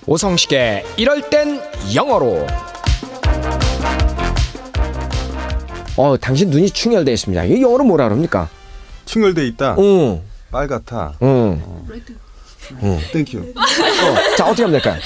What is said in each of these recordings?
오성식의 이럴 땐 영어로. 당신 눈이 충혈되어 있습니다. 이거 영어로 뭐라 그럽니까? 충혈돼 있다. 응. 빨갛다. 응. 땡큐. 자, 어떻게 하면 될까요?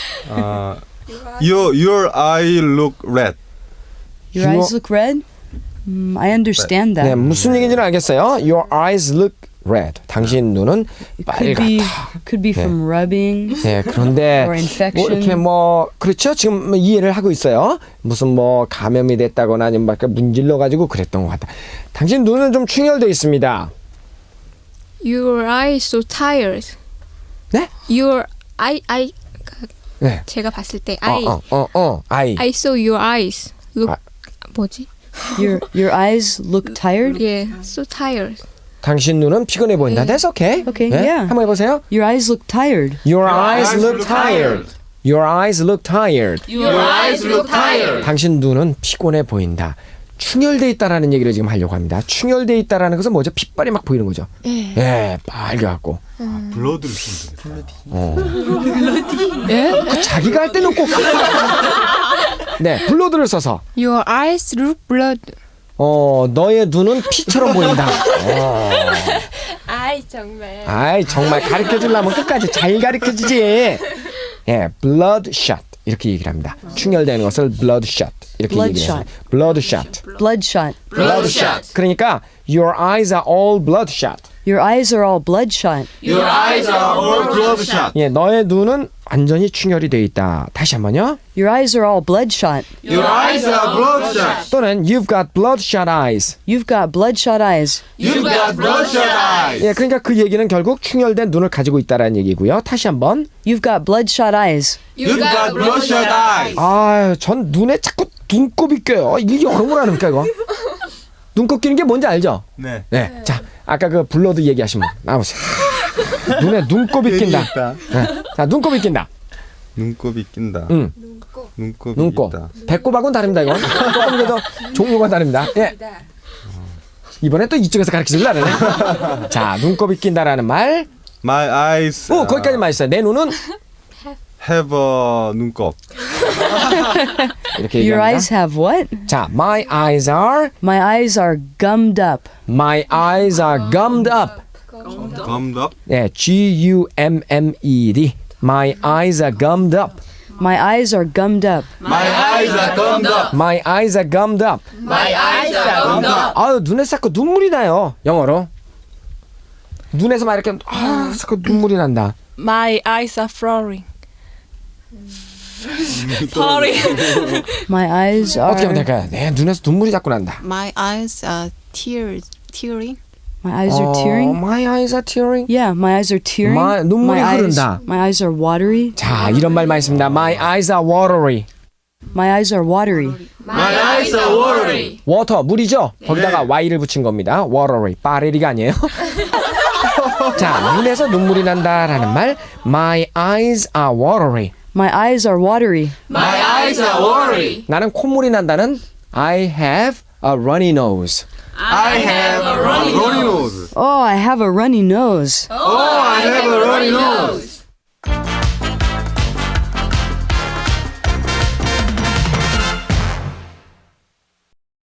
Your eye look red. Your eyes look red? I understand that. 네, 무슨 얘기인지는 알겠어요. Your eyes look red. 당신 눈은 빨갛다. Could be from rubbing. 네, 그런데 Or infection. 뭐 이렇게 그렇죠. 지금 이해를 하고 있어요. 무슨 감염이 됐다거나 아니면 막 문질러 가지고 그랬던 것 같다. 당신 눈은 좀 충혈되어 있습니다. Your eye is so tired. 네? Your eye 네. 제가 봤을 때 eye. I saw your eyes. Look 뭐지? Your eyes look tired? Yeah, so tired. 당신 눈은 피곤해 보인다. That's okay. Okay, 네? yeah. 한번 해보세요. Your eyes look tired. Your eyes look tired. Your eyes look tired. Your eyes look tired. 당신 눈은 피곤해 보인다. 충혈돼 있다라는 얘기를 지금 하려고 합니다. 충혈돼 있다라는 것은 뭐죠? 핏발이 막 보이는 거죠. 예, 빨개갖고. 블러드를 쓰면 예? 그 자기가 할 때는 꼭 네, 블러드를 써서 Your eyes look blood. 너의 눈은 피처럼 보인다. 아이 정말. 아이 정말 가르쳐 주려면 끝까지 잘 가르쳐 주지. 예, bloodshot 이렇게 얘기를 합니다. 충혈되는 것을 bloodshot 이렇게 얘기를 해요. bloodshot. Bloodshot. Bloodshot. 그러니까 your eyes are all bloodshot. Your eyes are all bloodshot. Your eyes are all bloodshot. 예, 너의 눈은 완전히 충혈이 되어 있다. 다시 한번요. Your eyes are all bloodshot. Your eyes are bloodshot. 또는 you've got bloodshot eyes. You've got bloodshot eyes. You've got bloodshot eyes. 예, 그러니까 그 얘기는 결국 충혈된 눈을 가지고 있다라는 얘기고요. 다시 한번. You've got bloodshot eyes. You've got bloodshot eyes. 아유, 전 눈에 자꾸 눈곱이 껴요. 이게 영어로 하니까 이거. 눈곱 끼는 게 뭔지 알죠? 네. 네. 자, 아까 그 블러드 얘기하신 분 나오세요. 눈에 눈곱이 낀다. 네. 자, 눈곱이 낀다. 눈곱이 낀다. 응. 눈곱이 눈곱. 있다. 배꼽하고는 다릅니다, 이건. 조금 더 종류가 다릅니다. 예. 이번에 또 이쪽에서 가르쳐 주려네. 자, 눈곱이 낀다라는 말. My eyes. 거기까지만 있어요. 내 눈은 have a 눈곱. 이렇게 Your 얘기합니다. eyes have what? 자, my eyes are gummed up. My eyes are gummed up. Gummed up. 네, G-U-M-M-E-D. My eyes are gummed up. My eyes are gummed up. My eyes are gummed up. My eyes are gummed up. My eyes are gummed up. 아유, 눈에 자꾸 눈물이 나요. 영어로. 눈에서 막 이렇게 자꾸 눈물이 난다. My eyes are flowering. Pouring. My eyes are. 어떻게 하면 될까요? 네, 눈에서 눈물이 자꾸 난다. My eyes are tearing. My eyes are tearing. My eyes are tearing. Yeah, my eyes are tearing. 눈물이 my 흐른다. my eyes are watery. 자, 이런 말만 있습니다. My eyes are watery. My eyes are watery. My eyes are watery. 워터, 물이죠? 거기다가 Y를 붙인 겁니다. watery. 빠레리가 아니에요. 자, 눈에서 눈물이 난다라는 말. My eyes are watery. My eyes are watery. My eyes are watery. 나는 콧물이 난다는 I have a runny nose. I have a runny Runny nose. nose. Oh, I have a runny nose. Oh, I have a runny nose.